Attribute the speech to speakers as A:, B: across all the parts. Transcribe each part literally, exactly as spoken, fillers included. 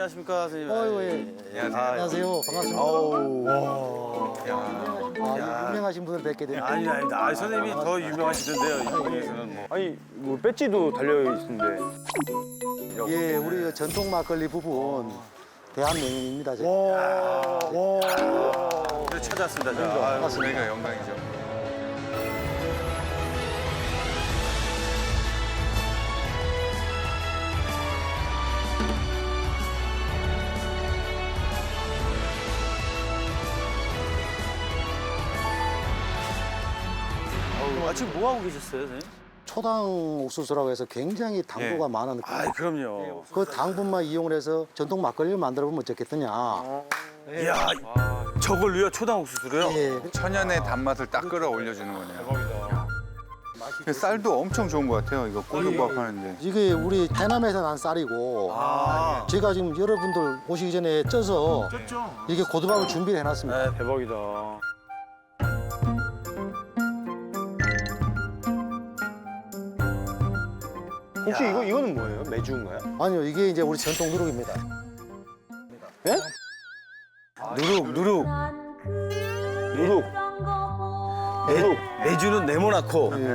A: 안녕하십니까 선생님.
B: 어이구, 예.
A: 안녕하세요.
B: 안녕하세요. 반갑습니다.
A: 아우. 야.
B: 아,
A: 야.
B: 유명하신 분을 뵙게 됩니다.
A: 아니 아니다. 아, 선생님이 더 유명하시던데요. 이쪽에서는 뭐.
C: 아니 뭐 배지도 달려 있는데.
B: 예, 우리 전통 막걸리 부분 대한명인입니다. 제가.
A: 와. 그래 찾아왔습니다. 저. 아유,
B: 반갑습니다.
A: 저희가 영광이죠. 아, 지금 뭐 하고 계셨어요, 선생님?
B: 초당 옥수수라고 해서 굉장히 당부가
A: 예.
B: 많은
A: 아, 그럼요.
B: 그 당분만 이용을 해서 전통 막걸리를 만들어 보면 어떻겠느냐.
A: 이야, 저걸로요? 초당 옥수수로요?
B: 예.
D: 천연의 단맛을 딱 끌어올려주는 거네요. 쌀도 엄청 좋은 것 같아요. 이거 꼬들밥 하는데.
B: 이게 우리 해남에서 난 쌀이고
A: 아,
B: 제가 지금 여러분들 오시기 전에 쪄서 이게 고두밥을 준비를 해놨습니다.
A: 네.
C: 대박이다. 혹시 이거 이거는 뭐예요? 매주인가요?
B: 아니요, 이게 이제 우리 전통 누룩입니다.
C: 예?
A: 누룩, 누룩.
C: 누룩.
A: 누룩. 매주는 네모나코.
C: 네.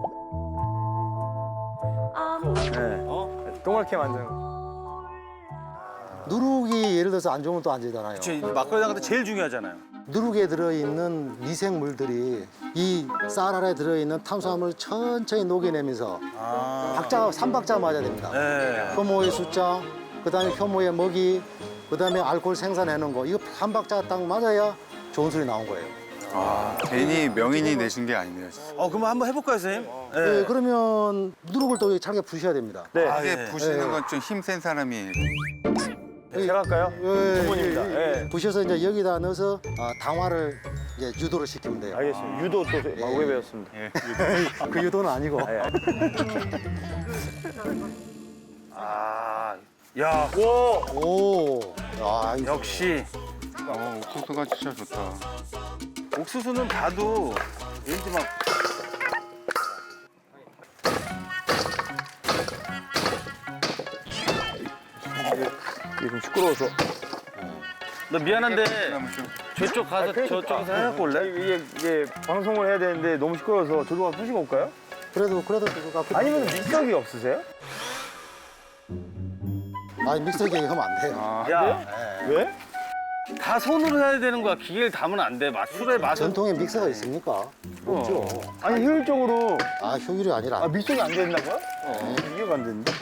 C: 네. 어? 동그랗게 만든 거.
B: 누룩이 예를 들어서 안 좋으면 또 안 되잖아요.
A: 저 막걸리 담글 때 제일 중요하잖아요.
B: 누룩에 들어있는 미생물들이 이 쌀 안에 들어있는 탄수화물을 천천히 녹여내면서
A: 아.
B: 박자, 삼박자 맞아야 됩니다.
A: 네.
B: 효모의 숫자, 그다음에 효모의 먹이, 그다음에 알코올 생산해놓은 거 이거 한 박자가 딱 맞아야 좋은 술이 나온 거예요.
D: 아, 괜히 명인이 내신 게 아니네요. 진짜.
A: 어, 그럼 한번 해볼까요, 선생님?
B: 네, 그러면 누룩을 또 잘게 부셔야 됩니다.
C: 네.
A: 아,
D: 이게
A: 예.
D: 부시는
B: 예.
D: 건 좀 힘센 사람이.
C: 제가 할까요?
B: 예,
C: 전문입니다.
B: 예,
C: 예.
B: 부셔서 이제 여기다 넣어서 아, 당화를 이제 유도를 시키면 돼요.
C: 알겠습니다. 유도 또 오래 배웠습니다.
D: 예.
B: 그 유도는 아니고.
C: 예.
A: 아, 야,
B: 오, 아, 이-
A: 역시
D: 어, 옥수수가 진짜 좋다.
A: 옥수수는 봐도 왠지 막
C: 이게 좀 시끄러워서.
A: 나 미안한데
D: 그다음에 좀
A: 저쪽 가서 저쪽에서 해갖고 올래?
C: 이게 이게 방송을 해야 되는데 너무 시끄러워서 저도 가서 푸시고 올까요?
B: 그래도 그래도 그거 갖고
C: 아니면 믹서기 없으세요?
B: 아니 믹서기에 하면 안 돼요.
D: 아,
A: 야,
C: 왜?
A: 다 손으로 해야 되는 거야. 기계를 담으면 안 돼. 맛 술의 맛은.
B: 전통에 믹서가 있습니까? 없죠.
C: 아니 효율적으로
B: 아 효율이 아니라
C: 아 믹서기 안 된다고요? 어. 이해가 안 되는데.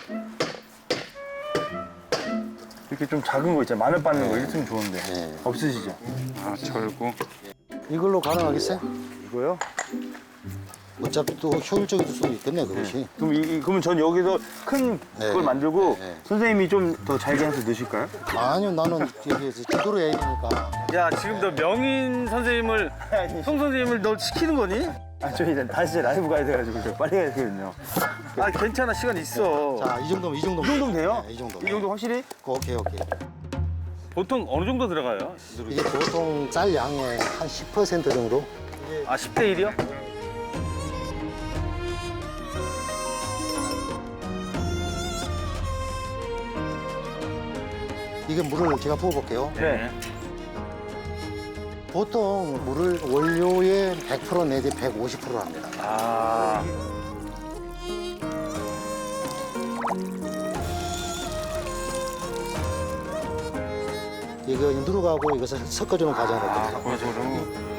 C: 이렇게 좀 작은 거 있잖아요. 마늘 빻는 거 있으면 좋은데.
B: 네.
C: 없으시죠?
D: 아 절구.
B: 이걸로 가능하겠어요?
C: 이거요?
B: 어차피 또 효율적일 수도 있겠네 그것이.
C: 그럼 이, 이- 그러면 전 여기서 큰
B: 네.
C: 그걸 만들고
B: 네.
C: 선생님이 좀 더 잘게 해서 넣으실까요?
B: 아니요 나는 여기에서 지도로 해야 되니까.
A: 야, 지금 너 명인 선생님을 송 선생님을 너 시키는 거니?
C: 아, 저 이제 다시 라이브 가야 돼가지고 저 빨리 가야 되거든요.
A: 아, 괜찮아. 시간 있어.
B: 자 이 정도면 이 정도면.
C: 이 정도면 돼요?
B: 네, 이 정도.
C: 이 정도 확실히?
B: 오케이 오케이.
A: 보통 어느 정도 들어가요?
B: 이게 보통 쌀 양의 한 십 퍼센트 정도.
A: 아, 십 대 일이요?
B: 이게 물을 제가 부어볼게요.
C: 네.
B: 보통 물을 원료의 백 퍼센트 내지 백오십 퍼센트 합니다.
A: 아.
B: 이거 누룩하고 이것을 섞어주는 과정을
D: 아,
B: 거든요.
D: 골고루.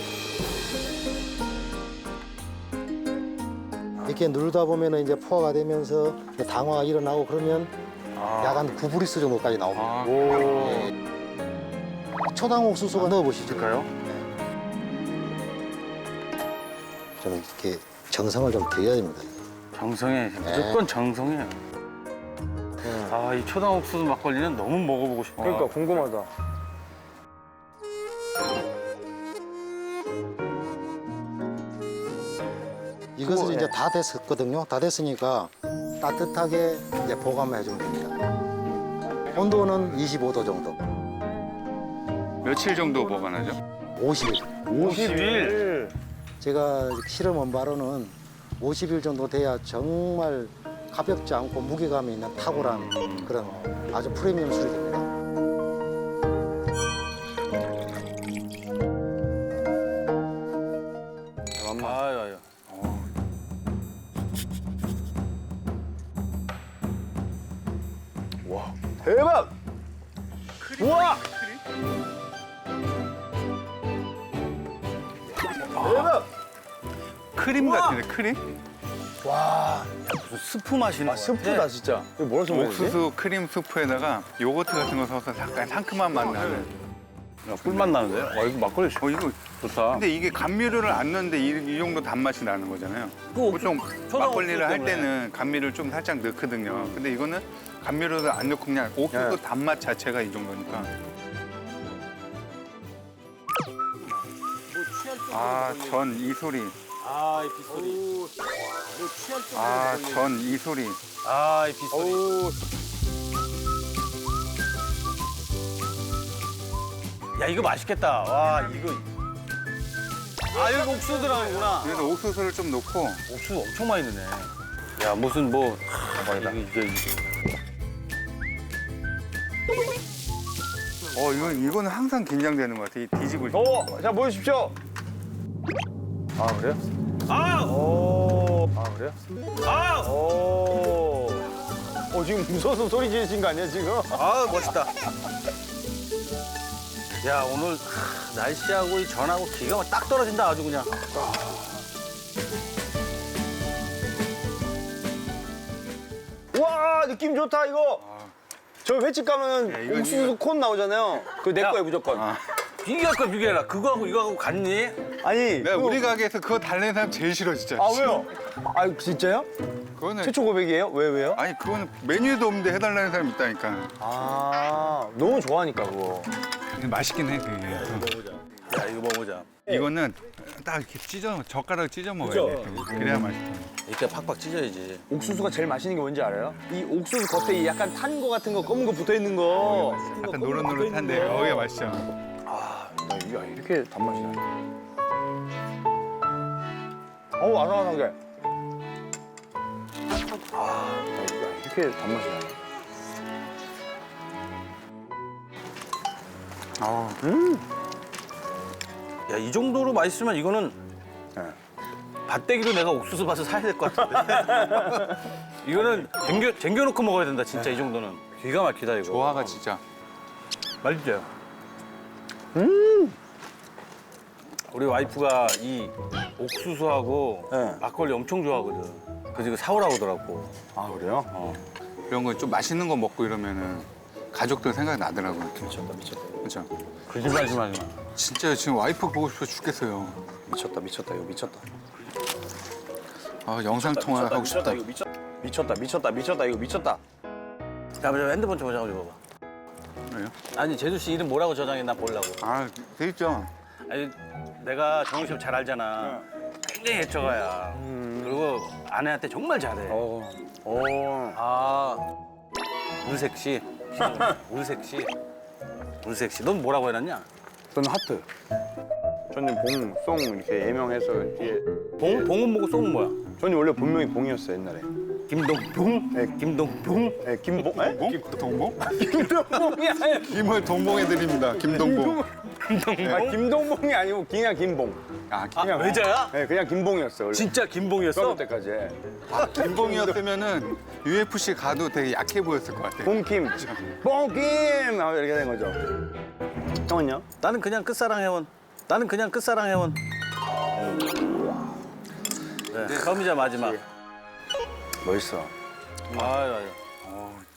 B: 이렇게 누르다 보면 이제 포화가 되면서 당화가 일어나고 그러면 약 한 구 브리스 정도까지 나옵니다.
D: 아,
C: 오.
B: 초당 옥수수가 넣어보시죠.
A: 될까요?
B: 좀 이렇게 정성을 좀 드려야 됩니다.
A: 정성해. 무조건 정성해. 아, 이 초당 옥수수 막걸리는 너무 먹어보고 싶어.
C: 그러니까 궁금하다.
B: 이것을
C: 그거,
B: 이제
C: 네.
B: 다 됐었거든요. 다 됐으니까 따뜻하게 이제 보관을 해주면 됩니다. 온도는 이십오 도 정도.
D: 며칠 정도 보관하죠?
B: 오십 일.
A: 오십 일.
B: 제가 실험한 바로는 오십 일 정도 돼야 정말 가볍지 않고 무게감이 있는 탁월한 그런 아주 프리미엄 술이 됩니다.
A: 아유, 아유.
C: 대박! 우와! 대박!
D: 크림 같은데 크림?
A: 무슨 스프 마시는
C: 아, 스프다 진짜. 이거 뭐라 좀
D: 옥수수 크림 스프에다가 요거트 같은 거 넣어서 약간 상큼한 맛 나는.
A: 야, 꿀맛 나는데? 와, 이거 막걸리
D: 어 이거
A: 좋다.
D: 근데 이게 감미료를 안 넣는데 이, 이 정도 단맛이 나는 거잖아요.
A: 그
D: 보통
A: 옥수수
D: 막걸리를 할
A: 때문에.
D: 때는 감미료를 좀 살짝 넣거든요. 근데 이거는 감미료를 안 넣고 그냥 옥수수
C: 네.
D: 단맛 자체가 이 정도니까. 아, 전 이 소리.
A: 아, 이 빗소리.
D: 아, 전 이 소리.
A: 아, 이 빗소리.
C: 오,
A: 야, 이거 맛있겠다. 와, 이거. 아, 여기 옥수수 들어가는구나.
D: 그래서 옥수수를 좀 넣고
A: 옥수수 엄청 많이 넣네. 야, 무슨 뭐.
C: 대박이다.
A: 이게, 이게, 이게.
D: 어, 이건 이거는 항상 긴장되는 것 같아. 이 뒤집을 때.
C: 오, 자 보여주십시오. 아 그래요?
A: 아!
C: 오, 아 그래요?
A: 아!
C: 오, 어 지금 무서워서 소리 지르신 거 아니야 지금?
A: 아, 멋있다. 야, 오늘 하, 날씨하고 이 전하고 기가 막 딱 떨어진다, 아주 그냥.
C: 와 느낌 좋다 이거. 저 횟집 가면
D: 야, 이건
C: 옥수수 콘 나오잖아요. 그거 내
A: 야.
C: 거예요 무조건.
D: 아,
A: 비교할 거 비교해라. 그거하고 이거하고 같니?
C: 아니.
D: 내가
C: 그거-
D: 우리 가게에서 그거 달래는 사람 제일 싫어 진짜.
C: 아 왜요? 아 진짜요?
D: 그거는
C: 최초 고백이에요? 왜 왜요?
D: 아니 그거는 메뉴에도 없는데 해달라는 사람 있다니까.
C: 아 너무 좋아하니까 그거.
D: 근데 맛있긴 해 그게.
A: 야, 이거 먹어보자.
D: 이거는 딱 이렇게 찢어 젓가락 찢어 먹어야 돼. 그래야 맛있어.
A: 이렇게 팍팍 찢어야지.
C: 옥수수가 제일 맛있는 게 뭔지 알아요? 이 옥수수 겉에 이 약간 탄 거 같은 거 검은 거 붙어 있는 거.
D: 약간 노릇노릇한데 어게 맛있죠.
C: 아, 나 이게 이렇게 단맛이 나네. 어우 아삭아삭해. 아, 나 이게 이렇게 단맛이 나네.
D: 아,
A: 야, 이 정도로 맛있으면 이거는
C: 네.
A: 밭대기로 내가 옥수수 밭을 사야 될 것 같은데. 이거는 쟁겨, 쟁겨놓고 먹어야 된다, 진짜 이 정도는. 기가 막히다, 이거.
D: 조화가 진짜.
A: 맛있죠? 음! 우리 와이프가 이 옥수수하고
C: 네.
A: 막걸리 엄청 좋아하거든. 그래서 이거 사오라고 하더라고.
C: 아 그래요?
D: 이런 거 좀 맛있는 거 먹고 이러면은 가족들 생각이 나더라고요.
C: 미쳤다 미쳤다
D: 그렇죠.
A: 거짓말 좀 하지 마.
D: 진짜 지금 와이프 보고 싶어 죽겠어요.
C: 미쳤다 미쳤다 이거 미쳤다.
D: 아, 영상 통화 하고 싶다.
C: 이거 미쳤 미쳤다 미쳤다 미쳤다 이거 미쳤다.
A: 자, 먼저 핸드폰 좀 저장 좀 봐봐.
D: 왜요?
A: 아니, 제주 씨 이름 뭐라고 저장했나 보려고.
D: 아, 돼 있죠.
A: 아니, 내가 정우 씨 잘 알잖아. 굉장히 애처가야. 그리고 아내한테 정말 잘해.
C: 어. 어.
A: 아, 물색 씨. 물색 씨. 물색 씨. 넌 뭐라고 해놨냐?
C: 저는 하트. 저는 봉, 송 이렇게 예명해서 뒤에.
A: 봉? 봉은 뭐고 쏘은 뭐야?
C: 저는 원래 본명이 봉이었어요 옛날에.
A: 김동봉?
C: 네.
A: 김동봉?
C: 네, 김봉? 에?
D: 동봉? 동봉?
C: 김동봉이 아니야.
D: 김을 동봉해드립니다. 김동봉.
C: 아, 김동봉이 아니고 그냥 김봉.
D: 아,
A: 아,
C: 그냥
A: 외자야?
C: 네, 그냥 김봉이었어. 원래.
A: 진짜 김봉이었어?
C: 중학교 때까지.
D: 아, 김봉이었으면은 유에프씨 가도 되게 약해 보였을 것 같아.
C: 봉김. 봉김! 아, 이렇게 된 거죠. 형은요?
A: 나는 그냥 끝사랑 회원. 나는 그냥 끝사랑 회원. 네, 처음이자 마지막.
C: 멋있어.
A: 아유, 아유.
D: 어,